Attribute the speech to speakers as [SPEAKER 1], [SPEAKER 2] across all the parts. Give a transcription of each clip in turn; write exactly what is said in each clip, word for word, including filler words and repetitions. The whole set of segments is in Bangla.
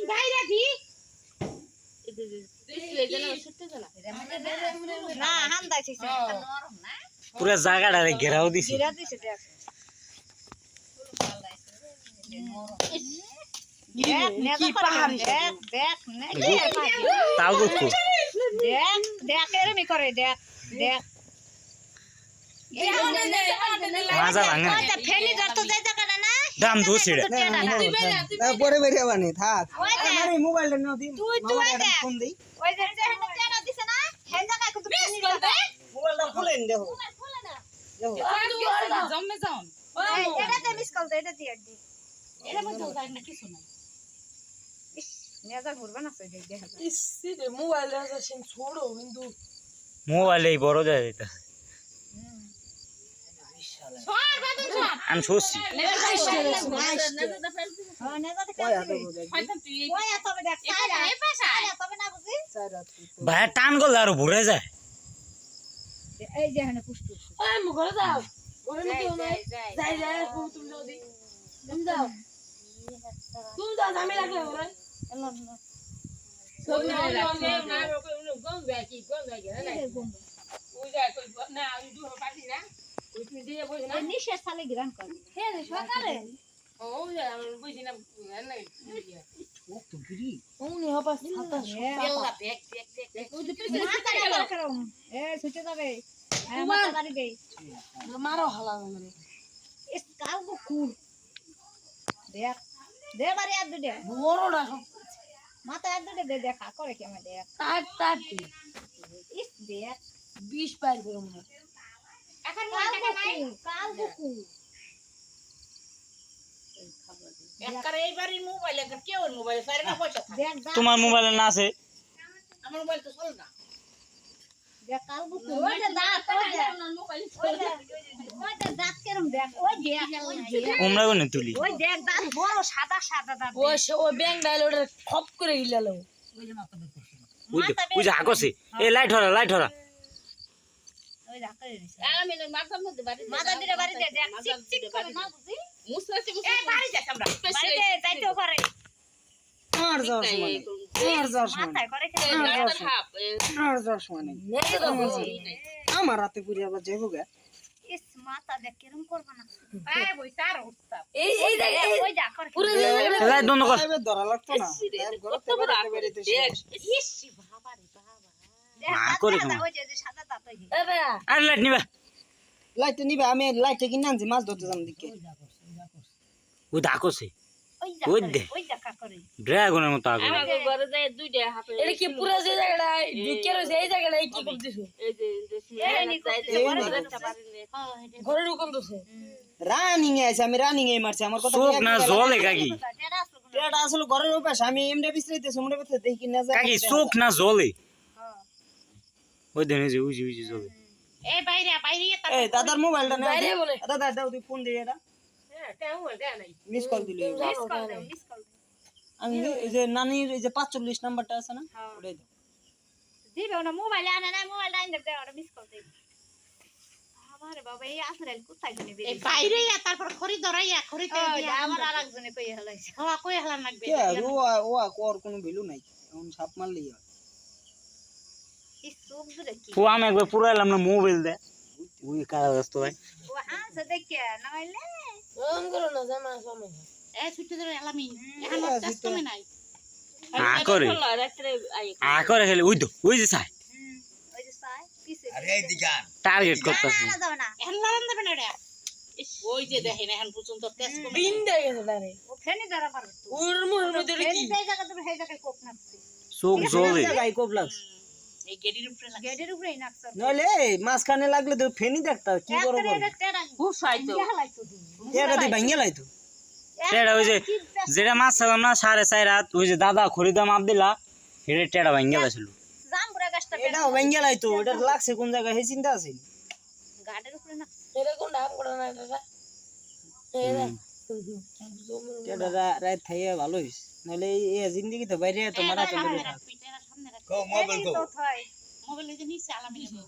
[SPEAKER 1] বাইরে দি
[SPEAKER 2] না হান্দাইছে নরম না
[SPEAKER 3] পুরো জায়গাটারে ঘেরাও দিছে
[SPEAKER 2] ঘেরা দিছে দেখ কি পাহাড় দেখ দেখ নাকি
[SPEAKER 3] তাও দেখো
[SPEAKER 2] দেখ দেখ এরমি করে দেখ দেখ
[SPEAKER 3] মাজা ভাঙা
[SPEAKER 2] ওটা ফেনি ধরতে যাই জায়গাটা না
[SPEAKER 3] দাম দোছিড়া
[SPEAKER 4] পরে বেরিয়ে বানি থাক আমার মোবাইলটা নাও দি
[SPEAKER 2] তুই তুই দেখ
[SPEAKER 4] ফোন দেই
[SPEAKER 2] ওই যে যেখানে টেনা দিছে না সেই জায়গায় কত ফেনি ধরবে
[SPEAKER 4] মোবাইলটা খুলেন দেখো
[SPEAKER 2] খুলে না
[SPEAKER 4] দেখো
[SPEAKER 1] জমে যাও
[SPEAKER 2] এটা তে মিস কল দে এটা দিয়ে দি
[SPEAKER 1] এর মধ্যে যায় না কিছু নাই
[SPEAKER 2] নেজা ঘুরবে না সেই দেখা যায়
[SPEAKER 1] ইসি রে মোবাইল আছে সেন ছোড়ো কিন্তু
[SPEAKER 3] মোবাইলেই বড় যায় এটা
[SPEAKER 1] সর বাদন সর
[SPEAKER 3] আমি শুছি
[SPEAKER 2] হ্যাঁ নেজাতে
[SPEAKER 4] কয় হাতে
[SPEAKER 2] কাটবি
[SPEAKER 4] বোঝাই
[SPEAKER 1] হয়তো তুই এই
[SPEAKER 2] ওই তবে দেখ সাইরা
[SPEAKER 1] এই পাশে
[SPEAKER 2] তবে না বুঝি
[SPEAKER 4] চার রাত
[SPEAKER 3] ভাই টান করলে আর ভরে যায়
[SPEAKER 2] এই যে এখানে পুষ্টু
[SPEAKER 1] ওই মু ঘরে যাও ঘরে
[SPEAKER 2] যাই
[SPEAKER 1] কেউ নাই
[SPEAKER 2] যাই
[SPEAKER 1] যাই যাই তুমি যাও দি তুমি যাও তুমি যাও আমি লাগলে ওরে সব না না না গম বাকি গম বাকি না ওই যায় কই না ওই দূর পাটি না ওই তুমি দিয়ে বই না
[SPEAKER 2] নিশে সালে গ্রান কর হে সকালে
[SPEAKER 1] ও যায় আমি বুঝি না না
[SPEAKER 4] ও তো গিরি
[SPEAKER 1] উনি হবা ছাতা
[SPEAKER 2] এলা ব্যাগ ব্যাগ ব্যাগ ওই যে পিছে মাথা কাটা করম এ সুচে যাবে হ্যাঁ মাথা গাড়ি দেই
[SPEAKER 1] মারো হালা মানে
[SPEAKER 2] ইস কাল গো কুল দেখ দে বারে আর দুটে
[SPEAKER 1] বড়টা সব
[SPEAKER 2] মাথা আর দুটে দে দেখা করে কি আমি দেখ
[SPEAKER 1] তার তার
[SPEAKER 2] ইস দেখ
[SPEAKER 1] বিশ পার করে মনে এখন
[SPEAKER 2] কাল গো কুল কাল গো কুল
[SPEAKER 1] একবার এইবারই মোবাইল একবার কেউ মোবাইল সারে না পয়সা থাকে
[SPEAKER 2] দেখ দাঁত
[SPEAKER 3] তোমার মোবাইলে না আছে
[SPEAKER 1] আমার মোবাইল তো চলে না
[SPEAKER 2] দেখ কাল গো কুল ওই যে দাঁত ওই যে
[SPEAKER 1] মোবাইল
[SPEAKER 2] ওই যে ওই যে দাঁত কেরম দেখ ওই দেখ ওই দেখ
[SPEAKER 3] উমরা কোনে তুলি
[SPEAKER 2] ওই দেখ দাঁত বড় সাদা সাদা দাঁত
[SPEAKER 1] ও সে ও ব্যাংক ডায়লটা খপ করে গিলালো
[SPEAKER 3] ওই যে ওই যে হাকছে এ লাইট হরা লাইট হরা
[SPEAKER 2] ওই রাখা দিছে
[SPEAKER 1] আমি না মাথার মধ্যে বাড়ি
[SPEAKER 2] মাথা দিলে বাড়ি দে দেখ চিক চিক করে না বুঝি
[SPEAKER 1] মুসলাতে মুসলাতে এই বাড়ি যাস আমরা
[SPEAKER 2] বাড়ি দে যাইতেও পারে
[SPEAKER 4] আর যাওয়ার সময় নেই আর যাওয়ার সময় নেই
[SPEAKER 2] মাথায় করে খেলে
[SPEAKER 4] আর যাওয়ার সময় নেই আমার রাতে পুরি আবার যাইবো গে
[SPEAKER 2] ইস মাথা দেখ কেরম করবা না
[SPEAKER 1] এই বই সার উঠতা এই এই জায়গা
[SPEAKER 2] ওই যা করে
[SPEAKER 1] পুরো
[SPEAKER 3] লাইট বন্ধ কর
[SPEAKER 4] এবার ধরা লাগতো না ঘরতে বেরোতে বেরোতে শেষ
[SPEAKER 2] ইস বাবা রে বাবা দেখ
[SPEAKER 3] মা
[SPEAKER 2] দাঁত
[SPEAKER 3] করে
[SPEAKER 2] সাদা,
[SPEAKER 3] কেমন?
[SPEAKER 2] ওই যে যে সাদা দাঁত ওই যে
[SPEAKER 1] এবে
[SPEAKER 3] আর লাইট নিবা
[SPEAKER 4] লাইটটা নিবে আমি লাইটটা কিনে আনছি মাছ ধরতে যাম দিকে
[SPEAKER 3] ওই ডাকছে
[SPEAKER 2] ওই যা
[SPEAKER 3] ওই
[SPEAKER 2] করে,
[SPEAKER 3] দে।
[SPEAKER 2] ওই দেখা করে
[SPEAKER 3] ড্রাগনের মতো আগুন
[SPEAKER 1] আমাকে ঘরে যায় দুইটা হাতে এটা কি পুরো যে জায়গাটা ঢুকে রইছে এই জায়গাটা কি করতেছো এই যে
[SPEAKER 2] এই নি করতেছে
[SPEAKER 4] এই
[SPEAKER 2] বড়
[SPEAKER 4] নি
[SPEAKER 2] রাখতে পারে হ্যাঁ এটা
[SPEAKER 1] ঘরে ঢুকন দছে
[SPEAKER 4] রানিং এ আছে আমি রানিং এ মারছি আমার কথা
[SPEAKER 3] চোখ না জলে কাকি
[SPEAKER 2] টেরা আসলো না
[SPEAKER 4] এটা আসলে ঘরের ওই পাশে আমি এমনি বিছরাইতে সমুদ্র পথে দেখি না যায়
[SPEAKER 3] কাকি চোখ না জলে
[SPEAKER 2] হ্যাঁ
[SPEAKER 3] ওই দেনে যে উজি উজি জলে
[SPEAKER 1] এই বাইরে বাইরে তা
[SPEAKER 4] এই দাদার মোবাইলটা না
[SPEAKER 1] বাইরে বলে।
[SPEAKER 4] দাদা দাও তুই ফোন দিয়ে এটা
[SPEAKER 1] হ্যাঁ তেও দেয় নাই
[SPEAKER 4] মিস কল দিলি
[SPEAKER 2] মিস কল দাও মিস কল দাও
[SPEAKER 4] আমি এই যে নানির এই যে পাঁচচল্লিশ নাম্বারটা আছে না
[SPEAKER 2] হ্যাঁ
[SPEAKER 4] ওটাই দাও
[SPEAKER 2] দিবে ওনা মোবাইল আনে না মোবাইল আইন দে ওটা মিস কল দে আরে বাবা এই আসলে কোথায় গনে
[SPEAKER 1] এই বাইরে তারপর খড়ি ধরাইয়া খড়িতে দিয়া
[SPEAKER 2] আমার আরেকজনে কই হলাইছে
[SPEAKER 1] হওয়া কই হলা লাগবে
[SPEAKER 4] কে ও ও কোর কোনো ভ্যালু নাই এখন সাপ মারলেই হয়
[SPEAKER 2] এই সুপ ধরে কি
[SPEAKER 3] ও আমি একবার পুরাইলাম না মোবাইল দে ওই কারা ব্যস্ত ভাই
[SPEAKER 2] ও হাঁস দেখে নইলে
[SPEAKER 1] ওম করো না জামা সময় এ ছুটি ধরে এলামি এখন ব্যস্ত মে নাই
[SPEAKER 3] আ করে
[SPEAKER 1] রাত্রে আই
[SPEAKER 3] আ করে খেলে ওই তো ওই যে চাই
[SPEAKER 2] হুম ওই যে সাই পিছে
[SPEAKER 5] আরে এই দিগান
[SPEAKER 3] টার্গেট করতেছে
[SPEAKER 2] না যাও না
[SPEAKER 1] এখন লাগান দেবে না রে ওই যে দেখেন এখন পর্যন্ত টেস্ট করে বিন দিয়ে গেছে দাঁড়ে
[SPEAKER 2] ও ফেনি ধরা পারবে তো
[SPEAKER 1] ওর মুহের মধ্যে
[SPEAKER 2] ফেনি সেই জায়গা তুমি সেই জায়গায় কোপ নাকছে
[SPEAKER 3] চোখ জলে
[SPEAKER 4] গাই কোপ লাগছে
[SPEAKER 1] এই গেডির উপরে লাগে
[SPEAKER 2] গেটের উপরেই নাকছে
[SPEAKER 4] নইলে মাঝখানে লাগলে তো ফেনি দেখতা কি করব
[SPEAKER 2] একটা টেরা
[SPEAKER 1] খুব সাইতো
[SPEAKER 2] ইয়া হলাইতো
[SPEAKER 4] এটা দি ভাঙিয়ে লাইতো
[SPEAKER 3] টেড়া ওই যে যেটা মাছ ছাড়লাম না সাড়ে চার রাত ওই যে দাদা খরিদা মাপ দিলা হেডে টেড়া ভাঙ গেছিল
[SPEAKER 2] জামপুরা গাছটা
[SPEAKER 4] এটা ভাঙিয়ে লাইতো এটা লাগছে কোন জায়গায় হে চিন্তা আছে
[SPEAKER 2] গাটের উপরে না
[SPEAKER 1] এটা কোন নাম করে না এটা এরা
[SPEAKER 4] এটা রাত থাইয়া ভালো হইছে নইলে এই জিন্দেগি তো বাইরে তো মারা তো বেরে থাক
[SPEAKER 1] পিটারা সামনে রাখ
[SPEAKER 5] কো মোবাইল কো
[SPEAKER 2] তো থয়
[SPEAKER 1] মোবাইল এই যে নিচে আলামি নেব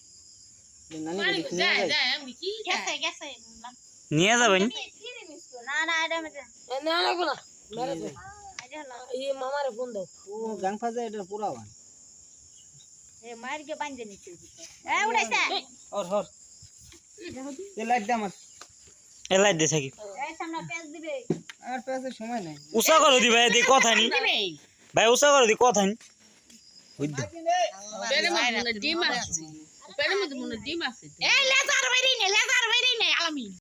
[SPEAKER 4] নানি
[SPEAKER 1] পানি
[SPEAKER 4] দেখি
[SPEAKER 1] যায়
[SPEAKER 4] যায়
[SPEAKER 1] যায় আমি কি গেছে গেছে
[SPEAKER 3] নিয়ে যাবেন
[SPEAKER 2] ফিরে মিস না না এটা মধ্যে
[SPEAKER 1] এ না লাগবো না মেরে দে
[SPEAKER 2] আইডা হলো
[SPEAKER 1] এই মামারে ফোন দাও
[SPEAKER 4] ও গাং ফাজে এটা পুরা বান
[SPEAKER 2] এ মার কে বাঁধে নিতে এ উড়াইছে
[SPEAKER 4] और हर ये लाइट दे আমার
[SPEAKER 3] এলাই দে থাকি
[SPEAKER 2] এই সামনে পেজ দিবে
[SPEAKER 4] আর পাশে সময় নাই
[SPEAKER 3] উষা করো দি ভাই দি কথা নি ভাই উষা করো দি কথা নি বুঝছো
[SPEAKER 1] পেলে মনে ডিম আছে পেলে মনে ডিম আছে
[SPEAKER 2] এই লেজার বাইরে নে লেজার বাইরে নে আলামি